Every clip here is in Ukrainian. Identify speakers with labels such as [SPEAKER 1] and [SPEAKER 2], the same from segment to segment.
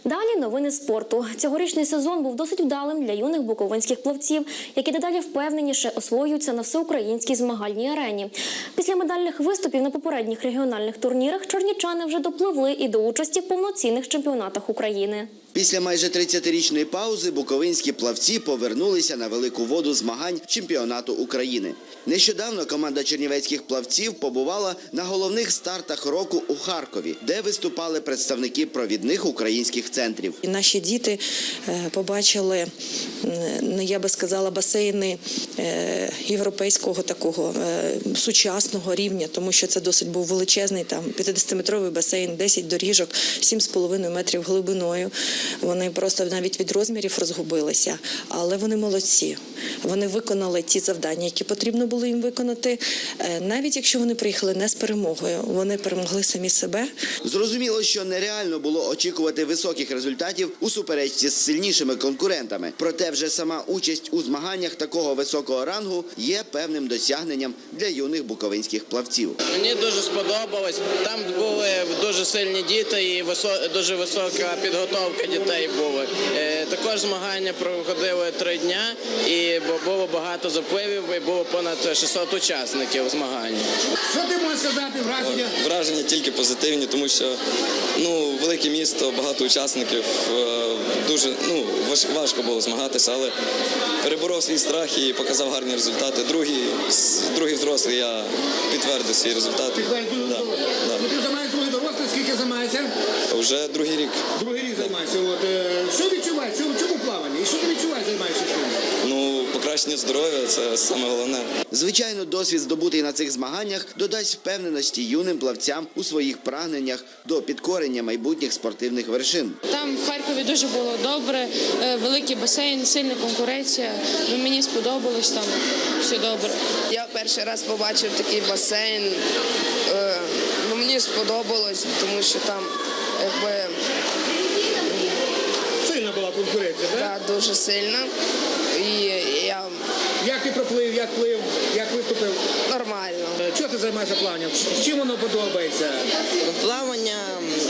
[SPEAKER 1] Далі новини спорту. Цьогорічний сезон був досить вдалим для юних буковинських плавців, які дедалі впевненіше освоюються на всеукраїнській змагальній арені. Після медальних виступів на попередніх регіональних турнірах чернівчани вже допливли і до участі в повноцінних чемпіонатах України.
[SPEAKER 2] Після майже 30-річної паузи буковинські плавці повернулися на велику воду змагань чемпіонату України. Нещодавно команда чернівецьких плавців побувала на головних стартах року у Харкові, де виступали представники провідних українських центрів.
[SPEAKER 3] Наші діти побачили, я би сказала, басейни європейського такого сучасного рівня, тому що це досить був величезний, там 50-метровий басейн, 10 доріжок, 7,5 метрів глибиною. Вони просто навіть від розмірів розгубилися, але вони молодці. Вони виконали ті завдання, які потрібно було їм виконати. Навіть якщо вони приїхали не з перемогою, вони перемогли самі себе.
[SPEAKER 2] Зрозуміло, що нереально було очікувати високих результатів у суперечці з сильнішими конкурентами. Проте вже сама участь у змаганнях такого високого рангу є певним досягненням для юних буковинських плавців.
[SPEAKER 4] Мені дуже сподобалось. Там були дуже сильні діти і дуже висока підготовка дітей була. Також змагання проходили 3 дні і було багато запливів, і було понад 600 учасників змагань.
[SPEAKER 5] Що ти можеш сказати, враження?
[SPEAKER 6] Враження тільки позитивні, тому що велике місто, багато учасників, дуже важко було змагатися, але переборов свій страх і показав гарні результати. Другий взрослий, я підтвердив свій результат.
[SPEAKER 5] Ти займаєш другий дорослий, скільки займаєшся?
[SPEAKER 6] Вже другий рік.
[SPEAKER 5] Другий рік займаєшся. Що відчуваєш? В чому плавання? І що ти відчуваєш, займаєшся?
[SPEAKER 6] Покращення здоров'я – це саме головне.
[SPEAKER 2] Звичайно, досвід, здобутий на цих змаганнях, додасть впевненості юним плавцям у своїх прагненнях до підкорення майбутніх спортивних вершин.
[SPEAKER 7] Там в Харкові дуже було добре, великий басейн, сильна конкуренція. Мені сподобалось, там все добре.
[SPEAKER 8] Я перший раз побачив такий басейн. Мені сподобалось, тому що там
[SPEAKER 5] Сильна була конкуренція, так?
[SPEAKER 8] Так, дуже сильна.
[SPEAKER 5] Як ти проплив, як плив, як виступив?
[SPEAKER 8] Нормально.
[SPEAKER 5] Чого ти займаєшся плаванням? Чим воно подобається?
[SPEAKER 9] Плавання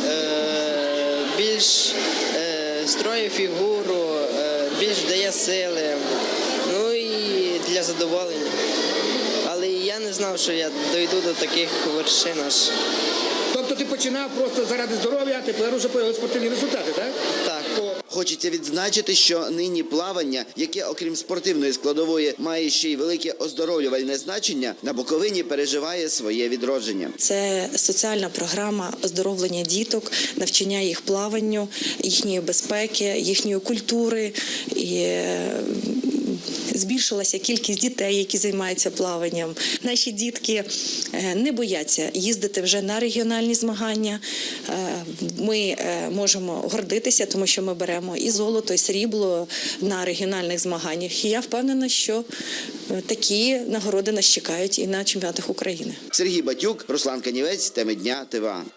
[SPEAKER 9] більш строїть фігуру, більш дає сили, і для задоволення. Але я не знав, що я дойду до таких вершин аж.
[SPEAKER 5] Тобто ти починав просто заради здоров'я, а тепер уже появилися спортивні результати, так?
[SPEAKER 9] Так.
[SPEAKER 2] Хочеться відзначити, що нині плавання, яке окрім спортивної складової має ще й велике оздоровлювальне значення, на Буковині переживає своє відродження.
[SPEAKER 3] Це соціальна програма оздоровлення діток, навчання їх плаванню, їхньої безпеки, їхньої культури. І збільшилася кількість дітей, які займаються плаванням. Наші дітки не бояться їздити вже на регіональні змагання. Ми можемо гордитися, тому що ми беремо і золото, і срібло на регіональних змаганнях. І я впевнена, що такі нагороди нас чекають і на чемпіонатах України.
[SPEAKER 2] Сергій Батюк, Руслан Канівець, Теми дня, ТВА.